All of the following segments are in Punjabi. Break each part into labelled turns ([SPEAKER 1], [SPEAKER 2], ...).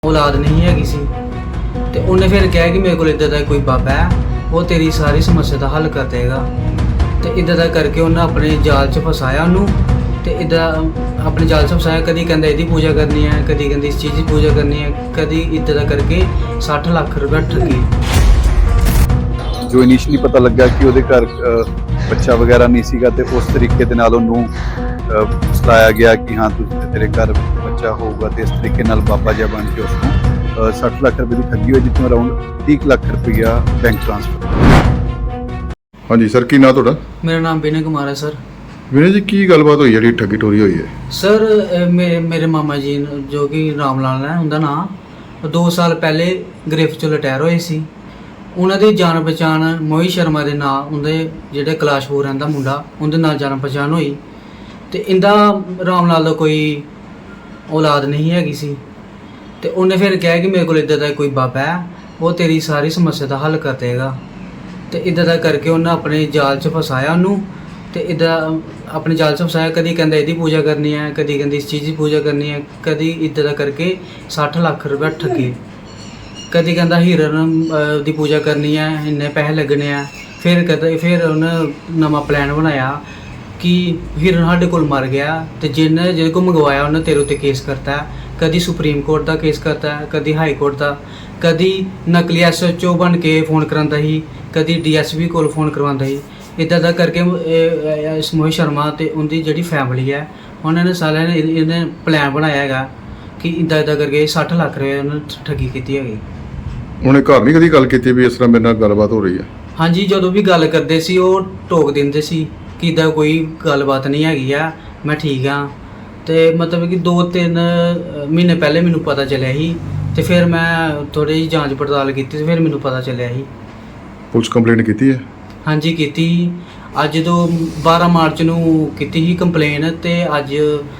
[SPEAKER 1] औलाद नहीं हैगी सी ते उन्हें फिर कहा कि मेरे को इदा का कोई बाबा है वो तेरी सारी समस्या का हल कर देगा। तो इदा का करके उन्हें अपने जाल च फसाया उन्होंने तो इदा अपने जाल च फसाया। कभी कहता इसकी पूजा करनी है, कभी कहती इस चीज़ की पूजा करनी है, कभी इदा का करके 60 लाख रुपया ठगी।
[SPEAKER 2] जो इनिशियली पता लगा कि ਉਹਦੇ ਘਰ ਬੱਚਾ ਵਗੈਰਾ ਨਹੀਂ ਸੀਗਾ ਤੇ ਉਸ ਤਰੀਕੇ ਦੇ ਨਾਲ ਉਹਨੂੰ ਸਤਾਇਆ ਗਿਆ ਕਿ ਹਾਂ ਤੇਰੇ ਘਰ ਬੱਚਾ ਹੋਊਗਾ ਤੇ ਇਸ ਤਰੀਕੇ ਨਾਲ ਬਾਬਾ ਜੀ ਬਣ ਕੇ ਉਸਨੂੰ 60 ਲੱਖ ਰੁਪਏ ਦੀ ਠੱਗੀ ਹੋਈ, ਜਿੱਥੋਂ ਅਰਾਊਂਡ 30 ਲੱਖ ਰੁਪਇਆ ਬੈਂਕ ਟ੍ਰਾਂਸਫਰ।
[SPEAKER 3] ਹਾਂਜੀ ਸਰ, ਕੀ ਨਾਂ ਤੁਹਾਡਾ?
[SPEAKER 1] मेरा नाम विनय कुमार है सर।
[SPEAKER 3] ਵਿਨੇ ਜੀ, ਕੀ ਗੱਲਬਾਤ ਹੋਈ ਜਿਹੜੀ ਠੱਗੀ ਟੋਰੀ ਹੋਈ ਹੈ?
[SPEAKER 1] सर मेरे मामा जी जो कि राम लाल है उनका नाम 2 साल पहले ਗ੍ਰਿਫਤ ਚੋਂ ਰਿਟਾਇਰ ਹੋਏ ਸੀ। ਉਹਨਾਂ ਦੀ ਜਾਣ ਪਛਾਣ ਮੋਹਿਤ ਸ਼ਰਮਾ ਦੇ ਨਾਂ ਉਹਦੇ ਜਿਹੜੇ ਕਲਾਸ਼ਪੁਰ ਰਹਿੰਦਾ ਮੁੰਡਾ ਉਹਦੇ ਨਾਲ ਜਾਣ ਪਛਾਣ ਹੋਈ ਤੇ ਇਹਦਾ ਰਾਮ ਲਾਲ ਦਾ ਕੋਈ ਔਲਾਦ ਨਹੀਂ ਹੈਗੀ ਸੀ ਤੇ ਉਹਨੇ ਫਿਰ ਕਿਹਾ ਕਿ ਮੇਰੇ ਕੋਲ ਇਦਾਂ ਦਾ ਕੋਈ ਬਾਬਾ ਹੈ ਉਹ ਤੇਰੀ ਸਾਰੀ ਸਮੱਸਿਆ ਦਾ ਹੱਲ ਕਰ ਦੇਗਾ। ਤੇ ਇਦਾਂ ਦਾ ਕਰਕੇ ਉਹਨੇ ਆਪਣੇ ਜਾਲ 'ਚ ਫਸਾਇਆ ਉਹਨੂੰ ਤੇ ਇਦਾਂ ਆਪਣੇ ਜਾਲ 'ਚ ਫਸਾਇਆ। ਕਦੀ ਕਹਿੰਦਾ ਇਹਦੀ ਪੂਜਾ ਕਰਨੀ ਹੈ, ਕਦੀ ਕਹਿੰਦੀ ਇਸ ਚੀਜ਼ ਦੀ ਪੂਜਾ ਕਰਨੀ ਹੈ, ਕਦੀ ਇਦਾਂ ਦਾ ਕਰਕੇ 60 ਲੱਖ ਰੁਪਏ ਠੱਗੇ। ਕਦੀ ਕਹਿੰਦਾ ਹੀਰਨ ਦੀ ਪੂਜਾ ਕਰਨੀ ਹੈ, ਇੰਨੇ ਪੈਸੇ ਲੱਗਣੇ ਆ। ਫਿਰ ਉਹਨੇ ਨਵਾਂ ਪਲਾਨ ਬਣਾਇਆ ਕਿ ਹੀਰਨ ਸਾਡੇ ਕੋਲ ਮਰ ਗਿਆ ਤੇ ਜਿਹਦੇ ਕੋਲ ਮੰਗਵਾਇਆ ਉਹਨੇ ਤੇਰੇ ਉੱਤੇ ਕੇਸ ਕਰਤਾ ਹੈ। ਕਦੀ ਸੁਪਰੀਮ ਕੋਰਟ ਦਾ ਕੇਸ ਕਰਤਾ ਹੈ, ਕਦੀ ਹਾਈ ਕੋਰਟ ਦਾ, ਕਦੀ ਨਕਲੀ SHO ਬਣ ਕੇ ਫੋਨ ਕਰਾਉਂਦਾ ਸੀ, ਕਦੀ DSP ਕੋਲ ਫੋਨ ਕਰਵਾਉਂਦਾ ਸੀ। ਇੱਦਾਂ ਦਾ ਕਰਕੇ ਮੋਹਿਤ ਸ਼ਰਮਾ ਤੇ ਉਹਦੀ ਜਿਹੜੀ ਫੈਮਿਲੀ ਹੈ ਉਹਨਾਂ ਨੇ ਸਾਰਿਆਂ ਨੇ ਇਹਨੇ ਪਲਾਨ ਬਣਾਇਆ ਹੈਗਾ ਕਿ ਇੱਦਾਂ ਕਰਕੇ 60 ਲੱਖ ਰੁਪਏ ਉਹਨੇ ਠੱਗੀ ਕੀਤੀ ਹੈਗੀ।
[SPEAKER 3] ਉਹਨੇ ਘਰ ਨਹੀਂ ਕਦੀ ਗੱਲ ਕੀਤੀ ਵੀ ਇਸ ਤਰ੍ਹਾਂ ਮੇਰੇ ਨਾਲ ਗੱਲਬਾਤ ਹੋ ਰਹੀ ਹੈ?
[SPEAKER 1] ਹਾਂਜੀ, ਜਦੋਂ ਵੀ ਗੱਲ ਕਰਦੇ ਸੀ ਉਹ ਟੋਕ ਦਿੰਦੇ ਸੀ ਕਿ ਇੱਦਾਂ ਕੋਈ ਗੱਲਬਾਤ ਨਹੀਂ ਹੈਗੀ ਆ, ਮੈਂ ਠੀਕ ਹਾਂ। ਤੇ ਮਤਲਬ ਕਿ 2-3 ਮਹੀਨੇ ਪਹਿਲੇ ਮੈਨੂੰ ਪਤਾ ਚੱਲਿਆ ਸੀ ਤੇ ਫਿਰ ਮੈਂ ਥੋੜੀ ਜਿਹੀ ਜਾਂਚ ਪੜਤਾਲ ਕੀਤੀ ਤੇ ਫਿਰ ਮੈਨੂੰ ਪਤਾ ਚੱਲਿਆ ਸੀ।
[SPEAKER 3] ਪੁਲਿਸ ਕੰਪਲੇਂਟ ਕੀਤੀ ਹੈ?
[SPEAKER 1] ਹਾਂਜੀ ਕੀਤੀ। ਅੱਜ ਤੋਂ 12 ਮਾਰਚ ਨੂੰ ਕੀਤੀ ਸੀ ਕੰਪਲੇਨ ਤੇ ਅੱਜ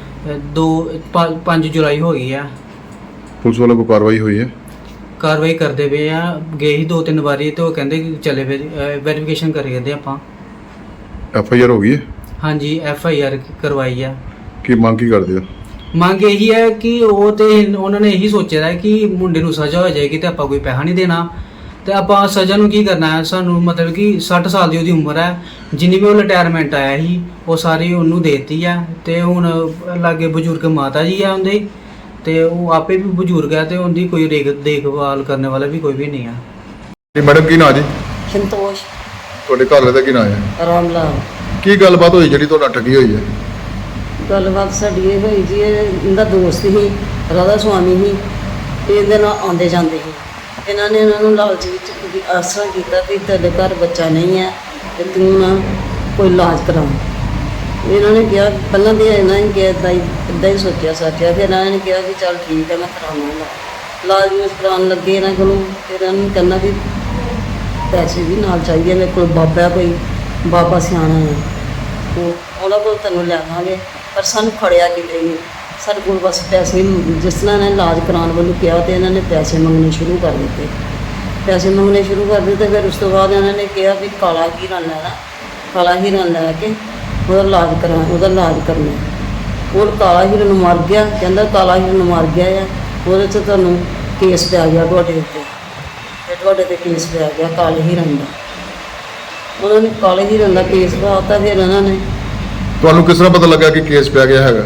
[SPEAKER 1] 5 ਜੁਲਾਈ ਹੋ ਗਈ ਆ।
[SPEAKER 3] ਪੁਲਿਸ ਵੱਲੋਂ ਕੋਈ ਕਾਰਵਾਈ ਹੋਈ ਹੈ?
[SPEAKER 1] ਕਾਰਵਾਈ ਕਰਦੇ ਪਏ ਆ। ਗਏ ਸੀ 2-3 ਵਾਰੀ ਤੇ ਉਹ ਕਹਿੰਦੇ ਕਿ ਚਲੇ ਵੈਰੀਫਿਕੇਸ਼ਨ ਕਰੀ ਜਾਂਦੇ ਆਪਾਂ।
[SPEAKER 3] FIR ਹੋ ਗਈ ਹੈ?
[SPEAKER 1] ਹਾਂਜੀ FIR ਕਰਵਾਈ ਆ।
[SPEAKER 3] ਕੀ ਮੰਗ ਕੀ ਕਰਦੇ ਹੋ?
[SPEAKER 1] ਮੰਗ ਇਹੀ ਹੈ ਕਿ ਉਹ ਤੇ ਉਹਨਾਂ ਨੇ ਇਹੀ ਸੋਚਿਆ ਹੈ ਕਿ ਮੁੰਡੇ ਨੂੰ ਸਜ਼ਾ ਹੋ ਜਾਏਗੀ ਤੇ ਆਪਾਂ ਕੋਈ ਪੈਸਾ ਨਹੀਂ ਦੇਣਾ ਤੇ ਆਪਾਂ ਸਜ਼ਾ ਨੂੰ ਕੀ ਕਰਨਾ ਹੈ। ਸਾਨੂੰ ਮਤਲਬ ਕਿ 60 ਸਾਲ ਦੀ ਉਹਦੀ ਉਮਰ ਹੈ, ਜਿੰਨੀ ਵੀ ਉਹ ਰਿਟਾਇਰਮੈਂਟ ਆਇਆ ਸੀ ਉਹ ਸਾਰੀ ਉਹਨੂੰ ਦੇਤੀ ਹੈ। ਤੇ ਹੁਣ ਲਾਗੇ ਬਜ਼ੁਰਗ ਮਾਤਾ ਜੀ ਆ ਉਹਦੇ ਤੇ ਉਹ ਆਪੇ ਵੀ ਬਜ਼ੁਰਗ ਹੈ ਤੇ ਉਹਦੀ ਕੋਈ ਦੇਖਭਾਲ ਕਰਨ ਵਾਲਾ ਵੀ ਕੋਈ ਵੀ ਨਹੀਂ ਆ।
[SPEAKER 3] ਜੀ ਮੈਡਮ, ਕੀ ਨਾਂ ਜੀ?
[SPEAKER 4] ਸੰਤੋਸ਼
[SPEAKER 3] ਤੁਹਾਡੇ ਘਰ ਵਾਲੇ ਦਾ ਕੀ ਨਾਂ ਹੈ?
[SPEAKER 4] ਰਾਮ ਲਾਲ।
[SPEAKER 3] ਕੀ ਗੱਲਬਾਤ ਹੋਈ ਜਿਹੜੀ ਤੁਹਾਡਾ ਠੱਗੀ ਹੋਈ ਹੈ?
[SPEAKER 4] ਗੱਲਬਾਤ ਸਾਡੀ ਇਹ ਹੋਈ ਜੀ, ਇਹਦਾ ਦੋਸਤ ਸੀ, ਰਾਧਾ ਸੁਆਮੀ ਸੀ, ਇਹਦੇ ਨਾਲ ਆਉਂਦੇ ਜਾਂਦੇ ਸੀ। ਇਹਨਾਂ ਨੇ ਇਹਨਾਂ ਨੂੰ ਲਾਲਚ ਵਿੱਚ ਆਸਰਾ ਕੀਤਾ ਵੀ ਤੁਹਾਡੇ ਘਰ ਬੱਚਾ ਨਹੀਂ ਹੈ ਤੇ ਤੂੰ ਨਾ ਕੋਈ ਇਲਾਜ ਕਰਾ। ਇਹਨਾਂ ਨੇ ਕਿਹਾ ਪਹਿਲਾਂ ਤਾਂ ਇਹਨਾਂ ਨੇ ਕਿਹਾ ਇੱਦਾਂ ਹੀ ਸੋਚਿਆ ਸਾਚਿਆ। ਫਿਰ ਇਹਨਾਂ ਨੇ ਕਿਹਾ ਕਿ ਚੱਲ ਠੀਕ ਹੈ ਮੈਂ ਕਰਾਵਾਂਗਾ। ਇਲਾਜ ਨੂੰ ਕਰਾਉਣ ਲੱਗੇ ਇਹਨਾਂ ਕੋਲੋਂ। ਫਿਰ ਇਹਨਾਂ ਨੂੰ ਕਹਿੰਦਾ ਵੀ ਪੈਸੇ ਵੀ ਨਾਲ ਚਾਹੀਦੇ, ਮੇਰੇ ਕੋਲ ਬਾਬਾ ਕੋਈ ਬਾਬਾ ਸਿਆਣਾ ਹੈ, ਉਹਨਾਂ ਕੋਲ ਤੈਨੂੰ ਲਿਆਵਾਂਗੇ। ਪਰ ਸਾਨੂੰ ਖੜਿਆ ਕਿਤੇ ਨਹੀਂ, ਸਾਡੇ ਕੋਲ ਬਸ ਪੈਸੇ ਜਿਸ ਤਰ੍ਹਾਂ ਇਹਨਾਂ ਨੇ ਇਲਾਜ ਕਰਾਉਣ ਵੱਲੋਂ ਕਿਹਾ ਤੇ ਇਹਨਾਂ ਨੇ ਪੈਸੇ ਮੰਗਣੇ ਸ਼ੁਰੂ ਕਰ ਦਿੱਤੇ। ਪੈਸੇ ਮੰਗਣੇ ਸ਼ੁਰੂ ਕਰ ਦਿੱਤੇ। ਫਿਰ ਉਸ ਤੋਂ ਬਾਅਦ ਇਹਨਾਂ ਨੇ ਕਿਹਾ ਵੀ ਕਾਲਾ ਹੀਰਨ ਲੈਣਾ, ਕਾਲਾ ਹੀਰਨ ਲੈ ਕੇ ਉਹਦਾ ਇਲਾਜ ਕਰਨਾ। ਉਹ ਕਾਲਾ ਹੀਰਨ ਮਰ ਗਿਆ, ਕਹਿੰਦਾ ਕਾਲਾ ਹੀਰਨ ਮਰ ਗਿਆ ਆ, ਉਹਦੇ 'ਚ ਤੁਹਾਨੂੰ ਕੇਸ ਪੈ ਗਿਆ ਤੁਹਾਡੇ ਉੱਤੇ, ਤੇ ਤੁਹਾਡੇ 'ਤੇ ਕੇਸ ਪੈ ਗਿਆ ਕਾਲੇ ਹੀਰਨ ਦਾ। ਉਹਨਾਂ ਨੇ ਕਾਲੇ ਹੀਰਨ ਦਾ ਕੇਸ ਪਾਤਾ। ਫਿਰ ਇਹਨਾਂ ਨੇ
[SPEAKER 3] ਤੁਹਾਨੂੰ ਕਿਸ ਤਰ੍ਹਾਂ ਪਤਾ ਲੱਗਾ ਕਿ ਕੇਸ ਪੈ ਗਿਆ ਹੈਗਾ?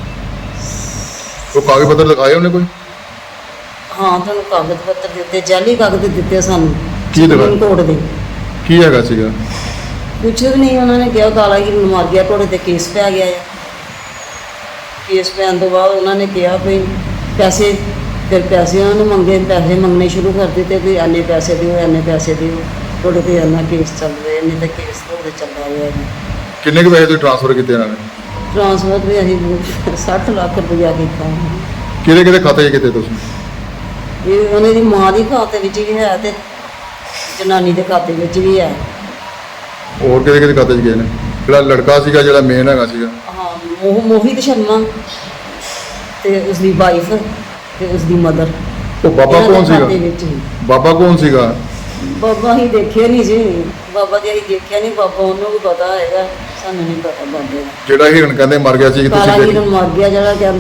[SPEAKER 3] ਉਹ ਕਾਗਜ਼ ਪੱਤਰ ਦਿਖਾਏ ਉਹਨੇ ਕੋਈ?
[SPEAKER 4] ਹਾਂ, ਤੁਹਾਨੂੰ ਕਾਗਜ਼ ਪੱਤਰ ਦਿੱਤੇ, ਜਾਲੀ ਕਾਗਜ਼ ਦਿੱਤੇ ਸਾਨੂੰ
[SPEAKER 3] ਕੀ ਦਿਖਾ?
[SPEAKER 4] ਸੁਪਰੀਮ ਕੋਰਟ ਦੇ।
[SPEAKER 3] ਕੀ ਹੈਗਾ ਸੀਗਾ?
[SPEAKER 4] ਕੁਛ ਵੀ ਨਹੀਂ। ਉਹਨਾਂ ਨੇ ਕਿਹਾ ਕਾਲਾ ਹੀਰਨ ਮਰ ਗਿਆ, ਤੁਹਾਡੇ 'ਤੇ ਕੇਸ ਪੈ ਗਿਆ ਹੈ। ਕੇਸ ਪੈਣ ਤੋਂ ਬਾਅਦ ਉਹਨਾਂ ਨੇ ਕਿਹਾ ਵੀ ਪੈਸੇ, ਫਿਰ ਪੈਸੇ ਉਹਨਾਂ ਨੂੰ ਮੰਗੇ, ਪੈਸੇ ਮੰਗਣੇ ਸ਼ੁਰੂ ਕਰ ਦਿੱਤੇ ਵੀ ਇੰਨੇ ਪੈਸੇ ਦਿਓ, ਇੰਨੇ ਪੈਸੇ ਦਿਓ, ਤੁਹਾਡੇ 'ਤੇ ਇੰਨਾ ਕੇਸ ਚੱਲ ਰਿਹਾ, ਇੰਨੇ ਤਾਂ ਕੇਸ ਤੁਹਾਡੇ ਚੱਲ ਰਿਹਾ ਹੈ।
[SPEAKER 3] ਕਿੰਨੇ ਕੁ ਪੈਸੇ ਤੁਸੀਂ ਟ੍ਰਾਂਸਫਰ ਕੀਤੇ ਇਹਨਾਂ ਨੇ?
[SPEAKER 4] ਟ੍ਰਾਂਸਫਰ ਵੀ ਅਸੀਂ 60 ਲੱਖ ਰੁਪਇਆ ਕੀਤਾ।
[SPEAKER 3] ਕਿਹਦੇ ਕਿਹਦੇ ਖਾਤੇ 'ਚ ਕੀਤੇ ਤੁਸੀਂ?
[SPEAKER 4] ਇਹ ਉਹਨਾਂ ਦੀ ਮਾਂ ਦੀ ਖਾਤੇ ਵਿੱਚ ਵੀ ਹੈ ਤੇ ਜਨਾਨੀ ਦੇ ਖਾਤੇ ਵਿੱਚ ਵੀ ਹੈ।
[SPEAKER 3] ਹੋਰ ਕਿਹਦੇ ਕਿਹਦੇ ਖਾਤੇ 'ਚ ਗਏ ਨੇ? ਜਿਹੜਾ ਲੜਕਾ ਸੀਗਾ, ਜਿਹੜਾ ਮੇਨ ਹੈਗਾ ਸੀਗਾ?
[SPEAKER 4] ਹਾਂ, ਮੋਹਿਤ ਸ਼ਰਮਾ ਤੇ ਉਸਦੀ ਵਾਈਫ ਤੇ ਉਸਦੀ ਮਦਰ।
[SPEAKER 3] ਉਹ ਬਾਬਾ ਕੌਣ ਸੀਗਾ? ਬਾਬਾ ਕੌਣ ਸੀਗਾ?
[SPEAKER 4] ਬਾਬਾ ਹੀ ਦੇਖਿਆ ਨਹੀਂ ਜੀ, ਬਾਬਾ ਜੀ ਅਸੀਂ ਦੇਖਿਆ ਨਹੀਂ। ਬਾਬਾ ਉਹਨੂੰ ਵੀ ਪਤਾ ਹੈਗਾ, ਸਾਨੂੰ ਨਹੀਂ ਪਤਾ ਬਾਬੇ ਦਾ।
[SPEAKER 3] ਜਿਹੜਾ ਹਿਰਨ ਕਹਿੰਦੇ ਮਰ ਗਿਆ ਸੀ,
[SPEAKER 4] ਕਾਲਾ
[SPEAKER 3] ਤੁਸੀਂ
[SPEAKER 4] ਹੀਰਨ ਮਰ ਗਿਆ ਜਿਹੜਾ ਕਹਿੰਦੇ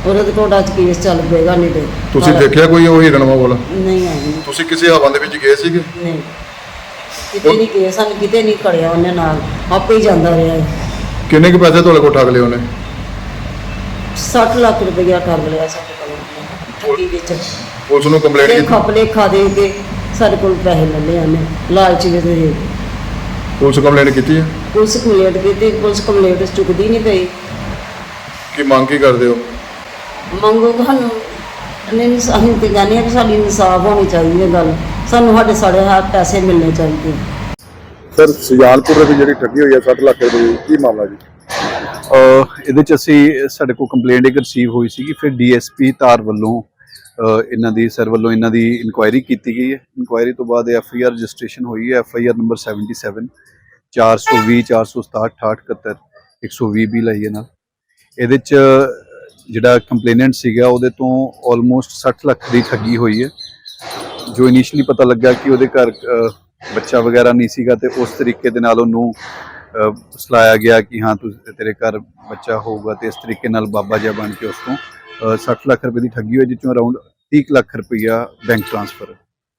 [SPEAKER 4] ਉਹਦੇ ਤੇ ਕੋਰਟਾਂ 'ਚ ਕੇਸ ਚੱਲ ਪਏਗਾ ਨਹੀਂ ਤੇ
[SPEAKER 3] ਤੁਸੀਂ ਦੇਖਿਆ ਕੋਈ ਉਹ ਹਿਰਨਵਾ ਵਾਲਾ?
[SPEAKER 4] ਨਹੀਂ ਆਈ
[SPEAKER 3] ਤੁਸੀਂ ਕਿਸੇ ਹਵਾ ਦੇ ਵਿੱਚ ਗਏ ਸੀਗੇ?
[SPEAKER 4] ਨਹੀਂ ਕਿਤੇ ਨਹੀਂ ਗਏ, ਸਾਨੂੰ ਕਿਤੇ ਨਹੀਂ ਖੜਿਆ ਉਹਨੇ, ਨਾਲ ਆਪੇ ਹੀ ਜਾਂਦਾ ਰਿਹਾ ਹੈ।
[SPEAKER 3] ਕਿੰਨੇ ਕੁ ਪੈਸੇ ਤੁਹਾਡੇ ਕੋਲ ਠੱਗ ਲਏ ਉਹਨੇ?
[SPEAKER 4] 60 ਲੱਖ ਰੁਪਇਆ ਕਰ ਲਿਆ ਸਾਡੇ ਕੋਲ ਠੱਗੀ ਵਿੱਚ।
[SPEAKER 3] ਪੁਲਿਸ ਨੂੰ ਕੰਪਲੇਂਟ
[SPEAKER 4] ਤੇ
[SPEAKER 3] ਕੀਤੀ?
[SPEAKER 4] ਖਪਲੇ ਖਾ ਦੇ ਕੇ ਸਾਡੇ ਕੋਲ ਪੈਸੇ ਲੈ ਲਏ ਉਹਨੇ ਲਾਲਚ ਵਿੱਚ ਦੇ ਕੇ।
[SPEAKER 3] ਪੁਲਿਸ ਕੰਪਲੇਂਟ ਕੀਤੀ ਹੈ?
[SPEAKER 4] ਪੁਲਿਸ ਕੰਪਲੇਂਟ ਕੀਤੀ, ਪੁਲਿਸ ਕੰਪਲੇਂਟ ਚੁੱਕਦੀ ਨਹੀਂ ਪਈ।
[SPEAKER 3] ਕੀ ਮੰਗ ਕੀ ਕਰਦੇ ਹੋ?
[SPEAKER 4] ਮੰਗੋ ਸਾਨੂੰ ਨਹੀਂ, ਅਸੀਂ ਤੇ ਕਹਿੰਦੇ ਹਾਂ ਕਿ ਸਾਡੀ ਇਨਸਾਫ ਹੋਣੀ ਚਾਹੀਦੀ ਹੈ ਗੱਲ, ਸਾਨੂੰ ਸਾਡੇ ਹੱਥ ਪੈਸੇ ਮਿਲਣੇ ਚਾਹੀਦੇ।
[SPEAKER 3] ਸਰ ਸੁਜਾਨਪੁਰ ਦੀ ਜਿਹੜੀ ਠੱਗੀ ਹੋਈ ਹੈ 60 ਲੱਖ ਰੁਪਏ ਦੀ, ਕੀ ਮਾਮਲਾ ਜੀ?
[SPEAKER 2] ਇਹਦੇ ਚ ਅਸੀਂ ਸਾਡੇ ਕੋਲ ਕੰਪਲੇਂਟ ਇੱਕ ਰਿਸੀਵ ਹੋਈ ਸੀ, ਫਿਰ ਡੀਐਸਪੀ ਧਾਰ ਵੱਲੋਂ ਇਹਨਾਂ ਦੀ ਸਰ ਵੱਲੋਂ ਇਹਨਾਂ ਦੀ ਇਨਕੁਆਇਰੀ ਕੀਤੀ ਗਈ ਹੈ। ਇਨਕੁਆਇਰੀ ਤੋਂ ਬਾਅਦ ਐਫਆਈਆਰ ਰਜਿਸਟ੍ਰੇਸ਼ਨ ਹੋਈ ਹੈ, ਐਫਆਈਆਰ ਨੰਬਰ 77 420 467 68 120 ਵੀ ਲਈ ਹੈ ਨਾਲ। ਇਹਦੇ ਚ ਜਿਹੜਾ ਕੰਪਲੇਨੈਂਟ ਸੀਗਾ ਉਹਦੇ ਤੋਂ ਆਲਮੋਸਟ 60 ਲੱਖ ਦੀ ਠੱਗੀ ਹੋਈ ਹੈ। ਜੋ ਇਨੀਸ਼ੀਅਲੀ ਪਤਾ ਲੱਗਾ ਕਿ ਉਹਦੇ ਘਰ ਬੱਚਾ ਵਗੈਰਾ ਨਹੀਂ ਸੀਗਾ ਤੇ ਉਸ ਤਰੀਕੇ ਦੇ ਨਾਲ ਉਹਨੂੰ ਸਲਾਇਆ ਗਿਆ ਕਿ ਹਾਂ ਤੇਰੇ ਘਰ ਬੱਚਾ ਹੋਊਗਾ, ਤੇ ਇਸ ਤਰੀਕੇ ਨਾਲ ਬਾਬਾ ਜਿਹਾ ਬਣ ਕੇ ਉਸ ਤੋਂ 60 ਲੱਖ ਰੁਪਏ ਦੀ ਠੱਗੀ ਹੋਈ, ਜਿਸ ਚੋਂ ਅਰਾਊਂਡ 30 ਲੱਖ ਰੁਪਈਆ ਬੈਂਕ ਟ੍ਰਾਂਸਫਰ।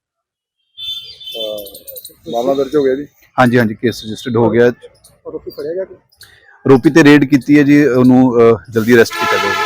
[SPEAKER 3] ਮਾਮਲਾ ਦਰਜ ਹੋ ਗਿਆ ਜੀ?
[SPEAKER 2] ਹਾਂਜੀ ਹਾਂਜੀ, ਕੇਸ ਰਜਿਸਟਰਡ ਹੋ ਗਿਆ।
[SPEAKER 3] ਆਰੋਪੀ ਫੜਿਆ ਗਿਆ?
[SPEAKER 2] ਆਰੋਪੀ ਤੇ ਰੇਡ ਕੀਤੀ ਹੈ ਜੀ, ਉਹਨੂੰ ਜਲਦੀ ਅਰੈਸਟ ਕੀਤਾ ਜਾਊਗਾ।